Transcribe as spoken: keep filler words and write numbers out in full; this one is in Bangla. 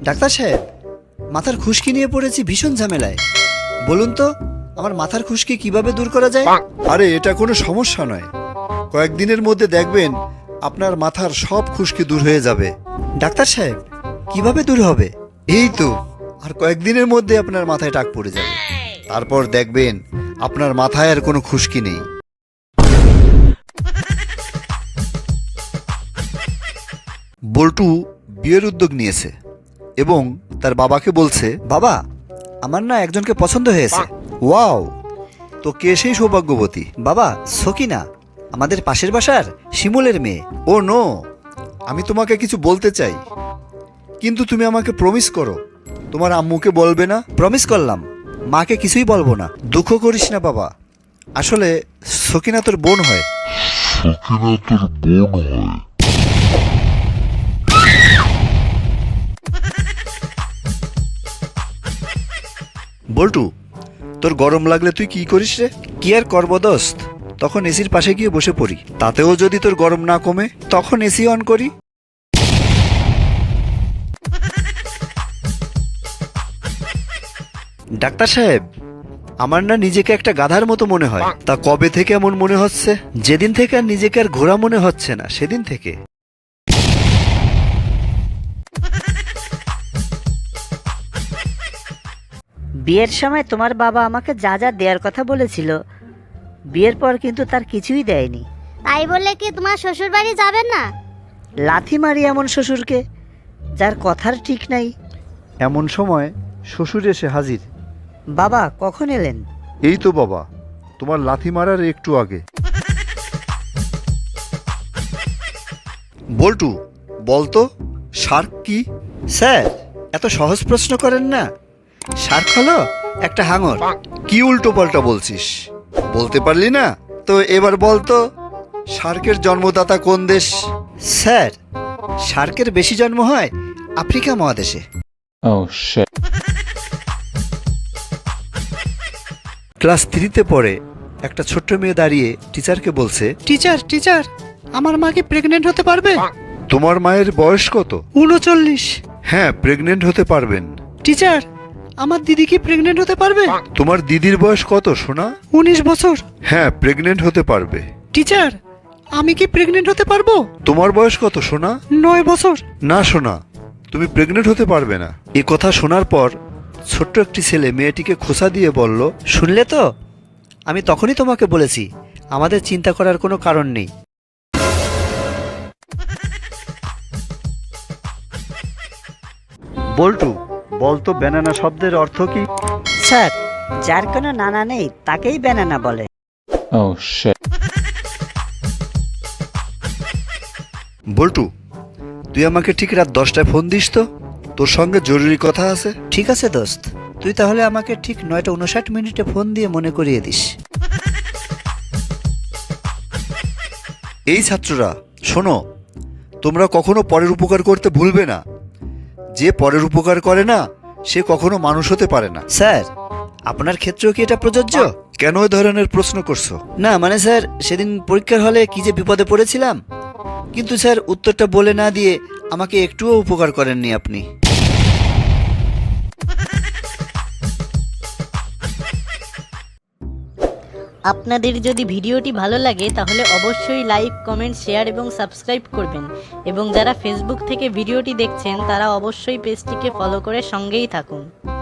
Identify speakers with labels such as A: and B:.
A: ডাক্তার সাহেব, মাথার খুশকি নিয়ে পড়েছি ভীষণ ঝামেলায়। বলুন তো আমার মাথার খুশকি কিভাবে দূর করা যায়?
B: আরে এটা কোনো সমস্যা নয়, কয়েকদিনের মধ্যে দেখবেন আপনার মাথার সব খুশকি দূর হয়ে যাবে।
A: ডাক্তার সাহেব, কিভাবে দূর হবে?
B: এই তো আর কয়েকদিনের মধ্যে আপনার মাথায় টাক পড়ে যাবে, তারপর দেখবেন আপনার মাথায় আর কোনো খুশকি নেই। বল্টু বিয়ের উদ্যোগ নিয়েছে এবং তার বাবাকে বলছে,
A: বাবা, আমার না একজনকে পছন্দ হয়েছে।
B: ওয়াও, তো কে সেই সৌভাগ্যবতী?
A: বাবা, সকিনা, আমাদের পাশের বাসার শিমুলের মেয়ে।
B: ও নো, আমি তোমাকে কিছু বলতে চাই, কিন্তু তুমি আমাকে প্রমিস করো তোমার আম্মুকে বলবে না।
A: প্রমিস করলাম, মাকে কিছুই বলবো না।
B: দুঃখ করিস না বাবা, আসলে সকিনা তোর বোন হয়।
C: সকিনা তোর বোন হয়।
B: বল্টু, তোর গরম লাগলে তুই কি করিস রে?
A: কি আর করবো দোস্ত, তখন এসির পাশে গিয়ে বসে পড়ি।
B: তাতেও যদি তোর গরম না কমে
A: তখন এসি অন করি। ডাক্তার সাহেব, আমার না নিজেকে একটা গাধার মতো মনে হয়।
B: তা কবে থেকে এমন মনে হচ্ছে?
A: যেদিন থেকে আর নিজেকে আর ঘোড়া মনে হচ্ছে না সেদিন থেকে।
D: বিয়ের সময় তোমার বাবা আমাকে যা যা দেওয়ার কথা বলেছিল, বিয়ের পর কিন্তু তার কিছুই দেয়নি।
E: তাই বলে কি তোমার শ্বশুর বাড়ি যাবেন না?
D: লাথি মারি এমন শ্বশুরকে, যার কথার ঠিক নাই।
B: এমন সময় শ্বশুর এসে হাজির।
D: বাবা কখন এলেন?
B: এই তো বাবা, তোমার লাথি মারার একটু আগে। বল্টু, বলতো শার্ক কি?
A: স্যার, এত সহজ প্রশ্ন করেন না। শার্ক হলো একটা হাঙর।
B: কি উল্টো পাল্টা বলছিস? বলতে পারলি না তো এবার বলতো শার্কের জন্মদাতা কোন দেশ?
A: স্যার, শার্কের বেশি জন্ম হয় আফ্রিকা মহাদেশে।
C: Oh shit.
A: ক্লাস থ্রিতে পড়ে একটা ছোট্ট মেয়ে দাঁড়িয়ে টিচারকে বলছে, টিচার টিচার আমার মা কি প্রেগনেন্ট হতে পারবে?
B: তোমার মায়ের বয়স কত?
A: উনচল্লিশ।
B: হ্যাঁ, প্রেগনেন্ট হতে পারবেন।
A: টিচার, আমার দিদি কি প্রেগনেন্ট হতে পারবে?
B: তোমার দিদির বয়স কত সোনা?
A: উনিশ বছর।
B: হ্যাঁ, প্রেগনেন্ট হতে পারবে।
A: টিচার, আমি কি প্রেগনেন্ট হতে পারবো?
B: তোমার বয়স কত সোনা?
A: নয় বছর।
B: না সোনা, তুমি প্রেগনেন্ট হতে পারবে না।
A: এ কথা শোনার পর ছোট্ট একটি ছেলে মেয়েটিকে খোঁচা দিয়ে বলল, শুনলে তো, আমি তখনই তোমাকে বলেছি আমাদের চিন্তা করার কোনো কারণ নেই।
B: বল্টু, বলতো ব্যানানা শব্দের অর্থ কি?
D: স্যার, যার কোনো নানা নেই তাকেই ব্যানানা বলে।
C: Oh shit.
B: বল্টু, তুই আমাকে ঠিক রাত দশটায় ফোন দিস তো, তোর সঙ্গে জরুরি কথা আছে।
A: ঠিক আছে দোস্ত, তুই তাহলে আমাকে ঠিক নয়টা উনষাট মিনিটে ফোন দিয়ে মনে করিয়ে দিস।
B: এই ছাত্ররা শোনো, তোমরা কখনো পরের উপকার করতে ভুলবে না। যে পরের উপকার করে না সে কখনো মানুষ হতে পারে না।
A: স্যার, আপনার ক্ষেত্রেও কি এটা প্রযোজ্য?
B: কেন ওই ধরনের প্রশ্ন করছো?
A: না মানে স্যার, সেদিন পরীক্ষার হলে কি যে বিপদে পড়েছিলাম, কিন্তু স্যার উত্তরটা বলে না দিয়ে আমাকে একটুও উপকার করেননি আপনি।
F: আপনাদের যদি ভিডিওটি ভালো লাগে তাহলে অবশ্যই লাইক, কমেন্ট, শেয়ার এবং সাবস্ক্রাইব করবেন, এবং যারা ফেসবুক থেকে ভিডিওটি দেখছেন তারা অবশ্যই পেজটিকে ফলো করে সঙ্গেই থাকুন।